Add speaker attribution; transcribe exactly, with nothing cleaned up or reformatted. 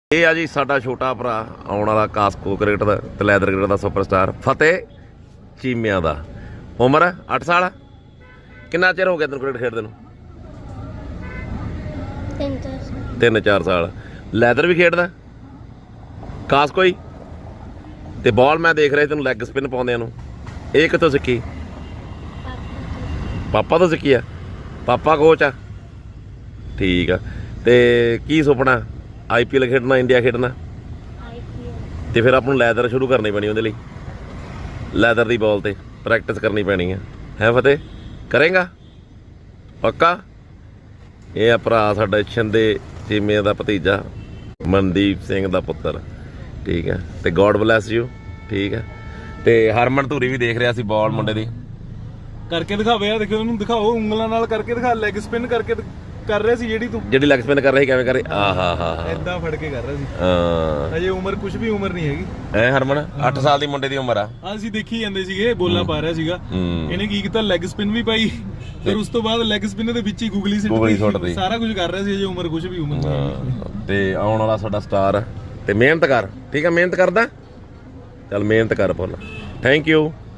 Speaker 1: ਇਹ ਆ ਜੀ ਸਾਡਾ ਛੋਟਾ ਭਰਾ ਆਉਣ ਵਾਲਾ ਕਾਸਕੋ ਕ੍ਰਿਕਟ ਦਾ ਤੇ ਲੈਦਰ ਕ੍ਰਿਕਟ ਦਾ ਸੁਪਰਸਟਾਰ ਫਤਿਹ ਚੀਮਿਆਂ ਦਾ। ਉਮਰ ਅੱਠ ਸਾਲ। ਕਿੰਨਾ ਚਿਰ ਹੋ ਗਿਆ ਤੈਨੂੰ ਕ੍ਰਿਕਟ ਖੇਡਦੇ ਨੂੰ? ਤਿੰਨ ਚਾਰ ਸਾਲ। ਲੈਦਰ ਵੀ ਖੇਡਦਾ ਕਾਸਕੋ ਹੀ? ਤੇ ਬਾਲ ਮੈਂ ਦੇਖ ਰਿਹਾ ਤੈਨੂੰ ਲੈਗ ਸਪਿਨ ਪਾਉਂਦਿਆਂ ਨੂੰ। ਇਹ ਕਿੱਥੋਂ ਸਿੱਖੀ? ਪਾਪਾ ਤੋਂ ਸਿੱਖੀ ਆ? ਪਾਪਾ ਕੋਚ ਆ? ਠੀਕ ਆ। ਤੇ ਕੀ ਸੁਪਨਾ? ਆਈ ਪੀ ਐਲ ਖੇਡਣਾ, ਇੰਡੀਆ ਖੇਡਣਾ? ਤੇ ਫਿਰ ਆਪਾਂ ਨੂੰ ਲੈਦਰ ਸ਼ੁਰੂ ਕਰਨੀ ਪੈਣੀ ਉਹਦੇ ਲਈ। ਲੈਦਰ ਦੀ ਬਾਲ ਤੇ ਪ੍ਰੈਕਟਿਸ ਕਰਨੀ ਪੈਣੀ ਆ। ਹੈ ਫਤਿਹ? ਕਰੇਗਾ ਪੱਕਾ? ਇਹ ਆ ਭਰਾ ਸਾਡਾ ਛਿੰਦੇ ਚੀਮੇ ਦਾ ਭਤੀਜਾ, ਮਨਦੀਪ ਸਿੰਘ ਦਾ ਪੁੱਤਰ। ਠੀਕ ਹੈ। ਤੇ ਗੋਡ ਬਲੈਸ ਯੂ। ਠੀਕ ਹੈ। ਤੇ ਹਰਮਨ ਧੂਰੀ ਵੀ ਦੇਖ ਰਿਹਾ ਸੀ ਬਾਲ ਮੁੰਡੇ ਦੀ
Speaker 2: ਕਰਕੇ ਦਿਖਾਵੇ ਯਾਰ, ਦੇਖੋ ਉਹਨੂੰ ਦਿਖਾਓ ਉਂਗਲਾਂ ਨਾਲ ਕਰਕੇ ਦਿਖਾ। ਲੈਗ ਸਪਿਨ ਕਰਕੇ ਕਰ ਰਿਹਾ ਸੀ ਜਿਹੜੀ ਤੂੰ
Speaker 1: ਜਿਹੜੀ ਲੈਗ ਸਪਿਨ ਕਰ ਰਹੀ ਕਿਵੇਂ ਕਰ ਰਹੀ? ਆ ਹਾ ਹਾ
Speaker 2: ਏਦਾਂ ਫੜ ਕੇ ਕਰ ਰਿਹਾ ਸੀ।
Speaker 1: ਹਾਂ
Speaker 2: ਅਜੇ ਉਮਰ ਕੁਝ ਵੀ ਉਮਰ ਨਹੀਂ ਹੈਗੀ।
Speaker 1: ਐ ਹਰਮਨ ਅੱਠ ਸਾਲ ਦੀ ਮੁੰਡੇ ਦੀ ਉਮਰ ਆ।
Speaker 2: ਆ ਅਸੀਂ ਦੇਖੀ ਜਾਂਦੇ ਸੀਗੇ, ਬੋਲਾਂ ਪਾ ਰਿਹਾ ਸੀਗਾ। ਇਹਨੇ ਕੀ ਕੀਤਾ, ਲੈਗ ਸਪਿਨ ਵੀ ਪਾਈ, ਫਿਰ ਉਸ ਤੋਂ ਬਾਅਦ ਲੈਗ ਸਪਿਨ ਦੇ ਵਿੱਚ ਹੀ ਗੁਗਲੀ ਸਿੱਟੀ, ਸਾਰਾ ਕੁਝ ਕਰ ਰਿਹਾ ਸੀ। ਅਜੇ ਉਮਰ ਕੁਝ ਵੀ ਉਮਰ ਨਹੀਂ।
Speaker 1: ਤੇ ਆਉਣ ਵਾਲਾ ਸਾਡਾ ਸਟਾਰ। ਤੇ ਮਿਹਨਤ ਕਰ। ਠੀਕ ਹੈ, ਮਿਹਨਤ ਕਰਦਾ ਚੱਲ, ਮਿਹਨਤ ਕਰ ਪੁੱਲ। Thank you.